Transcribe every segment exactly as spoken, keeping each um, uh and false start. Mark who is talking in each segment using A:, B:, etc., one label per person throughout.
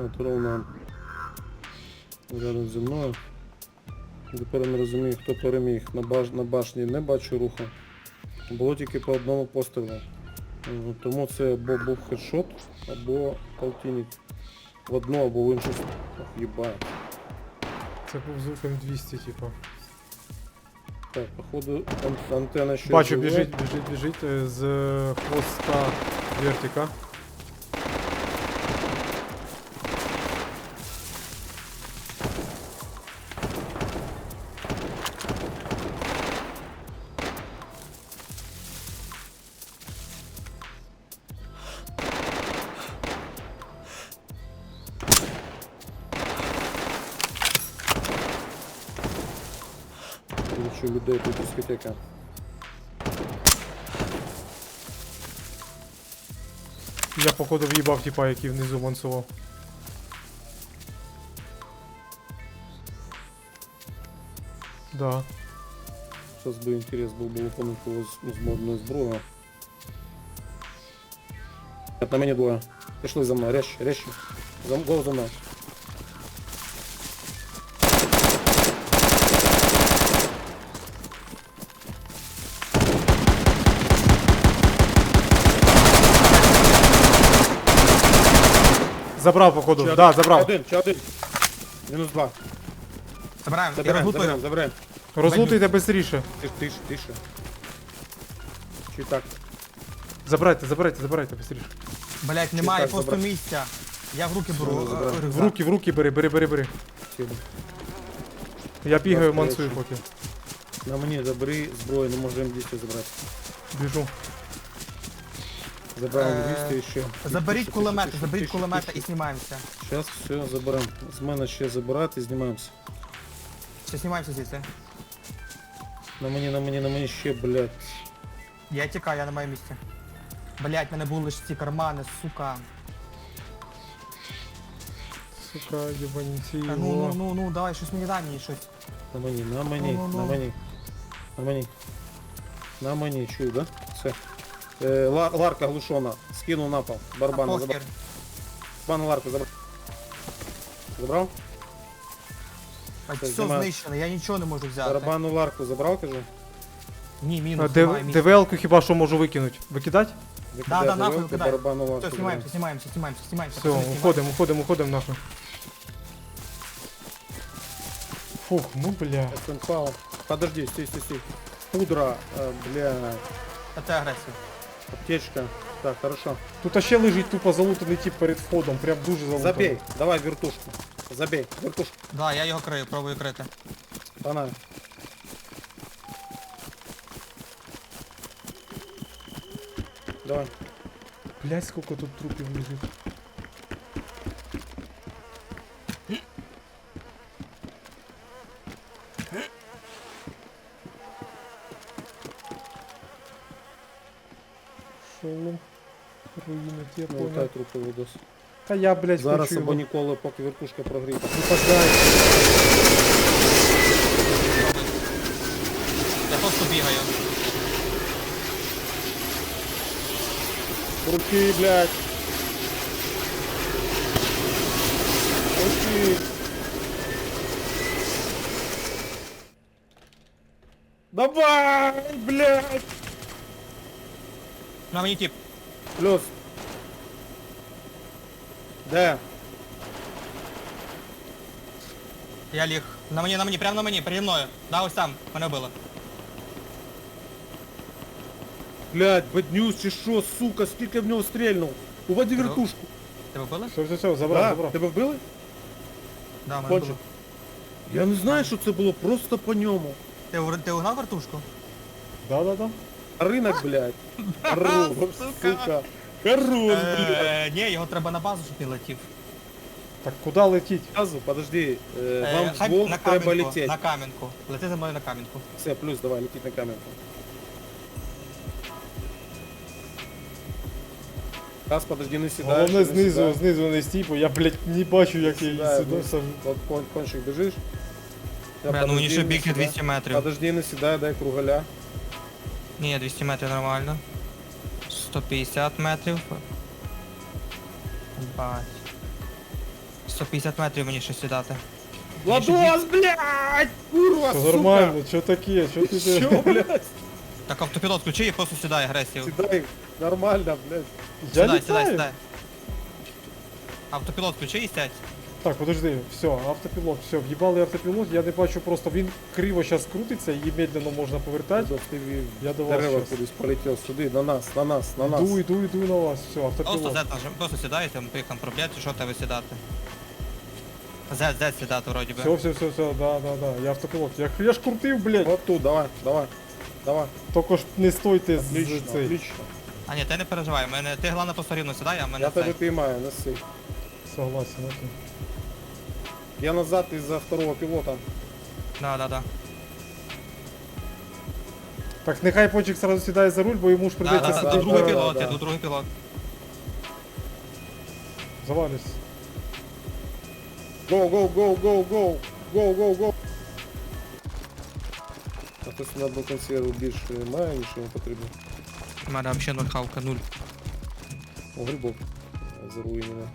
A: От ровно рядом зі мною. Тепер не розумію, хто переміг. На, баш... на башні не бачу руху. Було тільки по одному пострілу. Тому це або був хедшот, або полтинник. В одну або в іншу. Ох, їбаю.
B: Це був звук ем двісті, типу.
A: Так, походу ан- антенна ще
B: Бачу,
A: жива.
B: біжить, біжить, біжить е, з е, хвоста вертика.
A: Бачу людей, тут дискотека.
B: Я походу в'їбав типа, який внизу мансував. Да.
A: Сейчас бы интерес был бы выполнить его з, з модною зброєю. Нет, на мені двоє. Пішли за мною, резче, резче. За, голос за мною.
B: Забрав, походу.
A: Ще
B: Да,
A: один,
B: забрав.
A: Ще один, ще один. Мінус два.
C: Забираємо, я
A: Забираємо,
C: розлутую.
A: забираємо, забираємо.
B: Розлутуйте бистріше.
A: Тише, тише, тише. Чи так?
B: Забирайте, забирайте, забирайте бистріше.
C: Блять, немає
A: так
C: просто
A: забрати?
C: місця. Я в руки беру.
A: Все,
C: е,
A: забрати.
C: рюкзак.
B: В руки, в руки бери, бери, бери, бери.
A: Сіли.
B: Я бігаю,
A: Добре,
B: мансую
A: якщо-
B: поки.
A: На мені забери зброю, не можемо двісті забрати.
B: Біжу.
A: Забрали
C: Е,
A: двісті і ще.
C: Заберіть кулемети, заберіть кулемета і знімаємося.
A: Зараз все заберемо. З мене ще забирати і знімаємося.
C: Ще знімаємося звідси.
A: На мені, на мені, на мені ще, блядь.
C: Я тікаю, я на моєму місці. Блять, в мене були ж ці кармани, сука.
B: Сука, єбанці
C: Та ну, ну,
B: його.
C: ну, ну, давай, щось мені дай мені щось.
A: На мені, на мені,
C: Ну-ну-ну.
A: на мені. На мені. На мені, чую, да? Все. Е, Лар, Ларка глушона. Скинув на пол. Барабана
C: А,
A: забрав.
C: похер.
A: Барабан Ларку забрав. Забрав?
C: А,
A: Все,
C: Все
A: знімаю.
C: знищено, я нічого не можу взяти.
A: Барабану Ларку забрав, кажу.
C: Ні,
B: А,
C: мінус,
B: Д-
C: немає місця.
B: ДВЛ-ку хіба що можу викинути? Викидати?
A: Викидай
C: Да, да, нахуй
A: тарілку,
C: викидай.
A: барабану Ларку.
C: Все,
A: забрав.
C: знімаємося, знімаємося, знімаємося, знімаємося.
B: Все,
C: пацани, знімаємося.
B: уходимо, уходимо, уходимо нахуй. Фух, ну бля.
A: Эссенпал. Подожди, стій, стій, стій. Пудра, е, бля,
C: Та це агресія.
A: аптечка. Так, хорошо.
B: Тут ще лежить тупо залутаний тип перед входом, прям дуже залутаний.
A: Забей, давай вертушку. Забей, вертушку.
C: Да, я його крию, пробую крити.
A: Пана. Давай.
B: Блять, сколько тут трупів лежить. Шолом. Руїни ті, я
A: Лутай
B: понял.
A: трупи видос.
B: Та я, блять,
A: Зараз
B: хочу
A: або
B: його.
A: ніколи, поки вертушка прогріта.
B: Ну подай.
C: Я просто бігаю.
A: Руки, блядь. Руки. Давай, блядь.
C: На мені тип.
A: Плюс. Де?
C: Я ліг. На мені, на мені, прямо на мені, переді мною. Да, ось там, мене вбило.
A: Блядь, беднюс чи що, сука, скільки в нього стрельнув. Уводи вертушку.
C: Тебе вбили?
B: Все, все, все, забрав,
A: Да,
B: забрав.
A: тебе вбили?
C: Да, мене
A: Кончик.
C: вбило.
A: Я не знаю, що це було, просто по ньому.
C: Ти, ур- ти угнав вертушку?
B: Да, да, да.
A: Ринок, блядь. Хорош, сука. Хорош, блядь.
C: Е, ні, його треба на базу, щоб він летів.
B: Так куди летіть?
A: Сразу, подожди, е,
C: Е,
A: вам
C: хай
A: вдвох
C: на
A: треба
C: камінку,
A: летіти.
C: на камінку. Лети за мною на камінку.
A: Все, плюс, давай, летіть на камерку. Раз, подожди, не сідаєш.
B: Головне
A: не
B: знизу,
A: сідаєш.
B: знизу не стій, бо я, блять, не бачу, як я її
A: Сідай,
B: сюди
A: вниз.
B: сам.
A: От кон, кончик біжиш. Та
C: Бля, ну мені
A: подожди,
C: ще
A: не
C: бігти
A: сідай.
C: двісті метрів.
A: Подожди, не сідай, дай кругаля.
C: Ні, двісті метрів нормально. сто п'ятдесят метрів. Бать. сто п'ятдесят метрів мені ще сідати.
A: Владос, блядь! Курва,
B: Все
A: сука!
B: нормально, що таке, що ти
A: Що,
B: де?
A: блядь?
C: Так автопілот включи і просто сідай агресію.
A: Сідай, нормально, блядь.
B: Я
C: Сідай, сідай,
B: літаю.
C: сідай. Автопілот включи і сядь.
B: Так, подожди, все, автопілот, все, в'їбали автопілот, я не бачу просто, він криво зараз крутиться, її медленно можна повертати.
A: Владос, ти в
B: Я до вас
A: дерева
B: щас.
A: кудись полетів сюди, на нас, на нас, на нас.
B: Іду, іду, іду на вас, все,
C: Просто
B: автопілот.
C: Z нажим, просто сідаєте, ми поїхали проблять, що тебе сідати. Z, Z сідати вроді би.
B: Все, все, все, все, да, да, да, я автопілот. Я, я ж крутив, блядь.
A: Вот тут, давай, давай, давай.
B: Тільки ж не стойте з
A: Отлично,
B: цей.
A: отлично.
C: А ні, ти не переживай, мене, ти головне просто рівно сідай, а мене
A: Я
C: цей.
A: тебе поймаю, неси.
B: Согласен, окей.
A: Я назад из-за второго пилота.
C: Да, да, да.
B: Так, нехай почек сразу сідає за руль, бо йому ж
C: Да,
B: придеться
C: да, да,
A: да,
C: тут
B: сидіти.
C: другий
A: да,
C: пілот,
A: да.
C: я тут другий пілот.
B: Завалюсь.
A: Go, go, go, go, go, go, go, go. А хтось на одну консерву більше має, ніж йому потрібно.
C: У мене взагалі нуль хавка, нуль.
A: О, грибок. Заруйнено.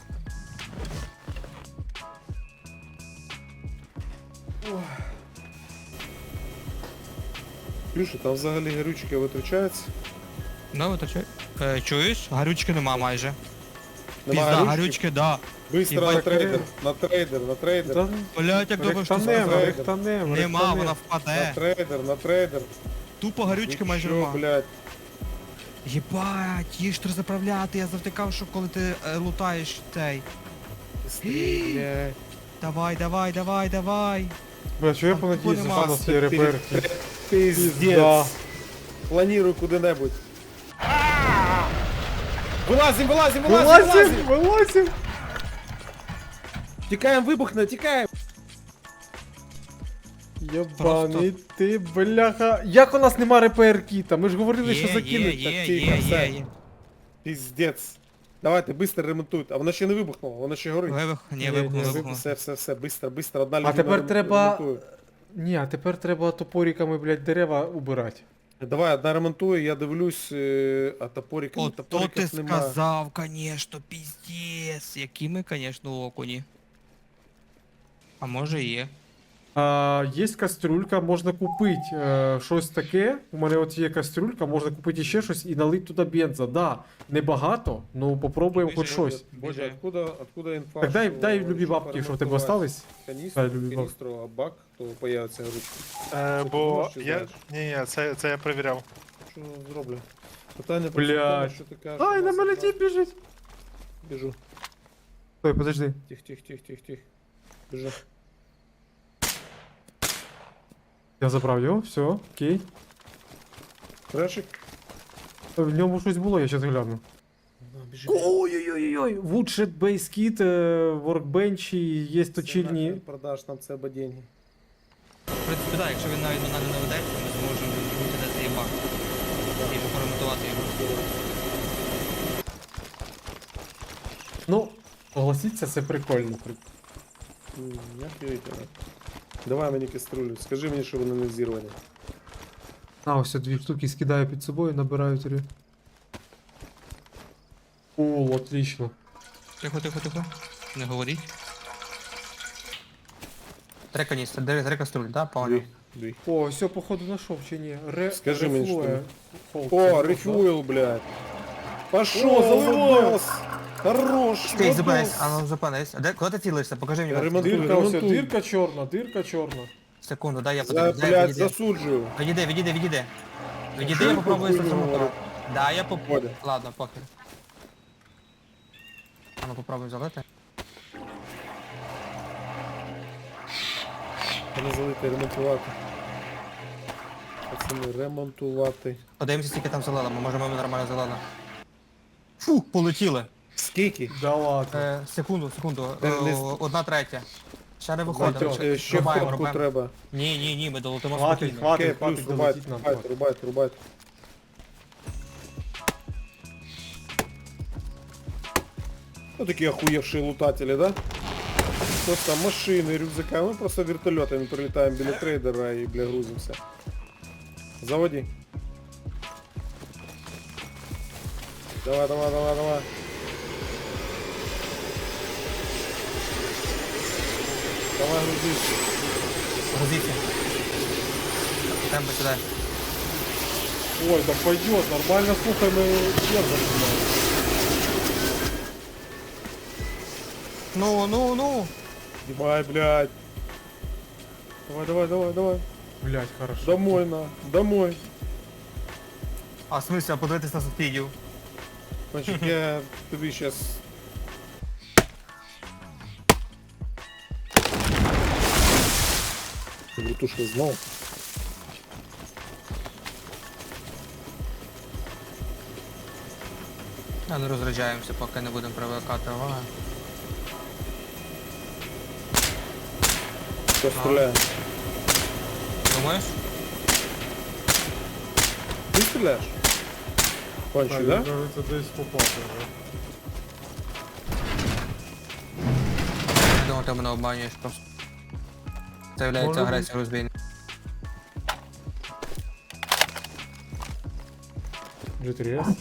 A: Плюша, там взагалі горючки витрачаються.
C: Ну, то чу... Е, чуєш? Гарючки нема майже.
A: Нема
C: Пізда,
A: горючки?
C: гарючки, да.
A: Быстро
C: Єбать,
A: на трейдер, на трейдер, на трейдер.
B: Та,
C: Блять, як думаєш, що
B: рехтанем,
C: сказати?
B: рехтанем,
C: Нема,
B: рехтанем.
C: вона
A: На
C: впаде.
A: трейдер, на трейдер.
C: Тупо гарючки майже
A: Нічого,
C: нема.
A: блядь.
C: Єбать, їж треба заправляти, я завтикав, що коли ти е, лутаєш цей.
A: Быстрее, блядь.
C: Давай, давай, давай, давай.
B: Бля, що я
C: Там
B: понадіюсь,
C: нема.
B: що у нас є реперки.
A: Пиздец.
B: Пизда.
A: Планирую куда-нибудь. Вылазим, вылазим, вылазим,
B: Вилазим,
A: вылазим.
B: вилазим.
A: Тікаємо, вибухне, тікаємо.
B: Єбаний ти, бляха. Як у нас нема репер-кіта? Ми ж говорили, що
C: Є,
B: закинуть.
C: є,
A: так
C: є,
A: тихо,
C: є,
A: все.
C: є, є.
A: Пиздец. Давайте, быстро ремонтуйте. А вона ще не вибухнула, вона ще горить.
C: Вибух, ні,
B: Ні,
C: вибух,
B: ні,
C: не
A: Все,
C: вибух.
A: все, все, все, быстро, быстро, одна людина
B: А тепер
A: рем-
B: треба.
A: ремонтує.
B: Ні, а тепер треба топориками, блядь, дерева убирати.
A: Давай, одна ремонтує, я дивлюсь, е, а топориками,
C: От то ти
A: топориків нема.
C: сказав, конечно, пиздец. Які ми, конечно, окуні. А може і є.
B: А, є кастрюлька, можна купити е, щось таке. У мене от є кастрюлька, можна купити ще щось і налити туди бенза. Да, небагато, ну попробуємо хоч
C: Біжи,
B: щось.
A: Боже, откуда, откуда інфа?
B: Так дай,
A: що-
B: дай любі
A: що
B: бабки, що в тебе
A: поремонтувати
B: остались.
A: Каністру,
B: Дай любі бабки.
A: каністру, а бак, то появиться грудь.
D: Е,
A: Що ти
D: бо
A: можеш, чи
D: я.
A: знаєш?
D: Ні, ні, це, це я перевіряв.
A: Що зроблю? Питання про
B: Блядь.
A: те, що ти кажеш.
B: Ай,
A: у
B: на
A: нас
B: мене
A: одна-
B: тіп біжить.
A: Біжу.
B: Стой, подожди.
A: Тих, тих, тих, тих, тих. Біжу.
B: Я забрав його, все, окей.
A: Трешик.
B: В ньому щось було, я зараз гляну.
A: На, біжи.
B: Ой-ой-ой, Woodshed Base Kit, е, Workbench, і є
A: Це
B: точильні.
A: нахер продаш нам це або деньги.
C: В принципі, так, якщо він навіть до нас не ведеться, ми зможемо відбути де цей бак. І поремонтувати його.
B: Ну, согласіться, це прикольно.
A: М, Як вірите, на. Давай мені каструлю. Скажи мені, що вони не зірвані.
B: А, ось дві штуки скидаю під собою, набираю три. О, отлично.
C: Тихо, тихо, тихо. Не говоріть. Три каністри, три, три каструль, да, понял?
A: Дві. Дві.
B: О, все, походу знайшов чи ні? Ре...
A: Скажи мені, що
B: рефлує.
A: там.
B: Холд,
A: О,
B: це
A: рефюйл, блядь. Пошел,
B: О, заливай.
A: Владос. Хорош,
C: Стій, зупинись,
A: Владос.
C: а ну зупинись. А де, куди ти цілишся? Покажи мені.
A: Я
C: карту.
A: ремонтую.
B: Дирка, ось,
A: Ремонтуй.
B: дирка чорна, дирка чорна.
C: Секунду, дай я
A: За,
C: подивлюсь. Дай,
A: блядь,
C: відійди.
A: засуджую.
C: Відійди, відійди, відійди. Відійди,
A: Що
C: я
A: ти
C: попробую
A: хуйню
C: зремонтувати.
A: говориш?
C: Да, я поп...
A: Ходи.
C: Ладно, похер. А ну попробуй залити.
A: Мене залити, ремонтувати. Пацани, ремонтувати.
C: Подивимося, скільки там залила, ми можемо нормально залили. Фу, полетіли.
A: Скільки?
B: Да ладно.
C: Е, секунду, секунду.
A: Е,
C: Е,
A: не-
C: одна третя. Ще не виходимо.
A: Е, Ще
C: Рубаємо,
A: фотку
C: рубаємо.
A: треба.
C: Ні, ні, ні, ми долетимо
B: Хватить,
C: спокійно.
B: хватить.
A: Окей, плюс,
B: хватить,
A: рубайте,
B: долетіть нам,
A: рубайте, рубайте, рубайте. Ну такие охуевшие лутатели, да? Просто машины, рюкзака. Мы просто вертолетами прилетаем біля трейдера и, бля, грузимся. Заводи. Давай, давай, давай, давай. Давай грузись.
C: Грузіться. Темпо сюди.
B: Ой, да пойдет, нормально, слухай, ми бенза снимаем.
C: Ну, ну, ну.
A: Давай, блядь. Давай, давай, давай, давай.
B: Блять, хорошо.
A: Домой на, домой.
C: А в смысле, а подивитись на субсидію?
A: Значить, я тобі щас... Вертушка знов.
C: А не розряджаємося, поки не будемо привикати уваги.
A: Хто стріляє?
C: Думаєш?
A: Ти стріляєш? Кончик,
B: Так,
A: да?
B: да? Кажется, десь попав вже.
C: Я думав, ти мене обманюєш просто. Це являється
B: Може
C: агресія розбійна.
B: джі три ес.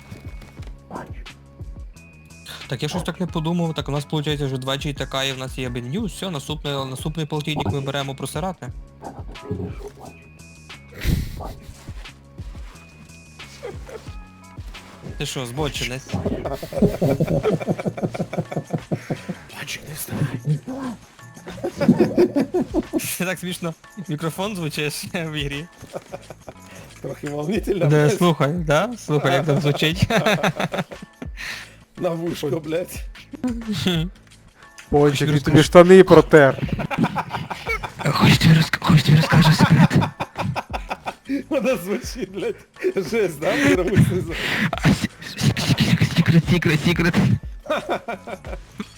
C: Так я щось так не подумав, так у нас виходить вже два джі ТК і в нас є беню, все, наступний, наступний полтинник ми беремо просирати. Ти що, збочинець? Це так смішно. Мікрофон звучиш в ігрі.
A: Трохи волнительно,
C: Де,
A: блядь.
C: слухай, да? Слухай, як там звучить.
A: На вушко, блядь.
B: Пончик, він тобі штани протер.
C: Хочеш тобі розкажу секрет?
A: Вона звучить, блядь. Жесть, да? Мировий сезон.
C: Секрет, секрет, секрет.